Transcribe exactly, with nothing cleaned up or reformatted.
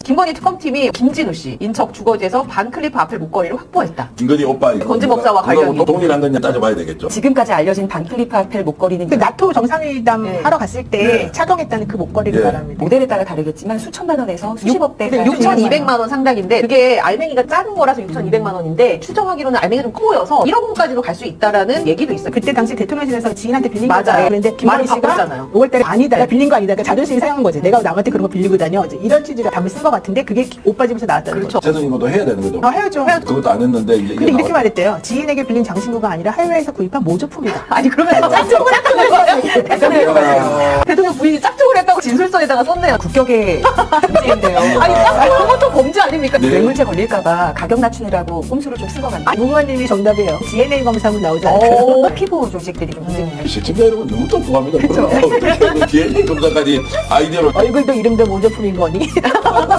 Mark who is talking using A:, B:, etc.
A: 김건희 특검팀이 김진우 씨 인척 주거지에서 반클리프 앞을 목걸이를 확보했다.
B: 김건희 오빠 이거
A: 건지법사와 관련이.
B: 또 동일한 거냐 따져봐야 되겠죠.
C: 지금까지 알려진 반클리프 아펠 목걸이는
D: 그 나토 정상회담
A: 네.
D: 하러 갔을 때
B: 네.
D: 착용했다는 그 목걸이를
B: 네.
D: 말합니다.
C: 모델에 따라 다르겠지만 수천만 원에서 수십억 대
D: 네,
A: 육천이백만 원 상당인데 그게 알맹이가 작은 거라서 육천이백만 원인데 추정하기로는 알맹이가 좀 커 보여서 일억 원까지도 갈 수 있다라는 얘기도 있어요.
D: 그때 당시 대통령실에서 지인한테 빌린
A: 맞아요.
D: 거잖아요. 그런데
A: 말을
D: 김건희 씨가
A: 바꿨잖아요.
D: 오월 달에 아니다. 내가 빌린 거 아니다. 그러니까 자존심이 상한 거지. 내가 남한테 그런 거 빌리고 다녀. 이제 이런 취지로 답을 쓴 것 같은데 그게 오빠 집에서 나왔다는
A: 그렇죠.
D: 거죠.
B: 재선 이것도 해야 되는 거죠.
D: 어, 해야죠.
B: 그것도 안 했는데 이제
D: 근데
B: 이게
D: 이렇게
B: 나왔-
D: 말했대요. 지인에게 빌린 장신구가 아니라 해외에서 구입한 모조품이다.
A: 아니 그러면 짝퉁을 했다는 거예요. 대통령, 대통령 부인이 짝퉁을 했다고 진술서에다가 썼네요.
C: 국격의 문제인데요.
A: 아니 짝퉁 그것도 범죄 아닙니까?
B: 네.
C: 뇌물죄 걸릴까봐 가격 낮추느라고 꼼수를 좀 쓴 것 같네요.
D: 아, 무궁화님이 정답이에요. 디엔에이 검사하면 나오지 않을까요?
A: 오.
C: 피부 조직들이 좀 문제입니다.
B: 시청자 여러분 너무 똑똑합니다. 디엔에이 검사까지 아이디어로
D: 얼굴도 이름도 모조품인 거니?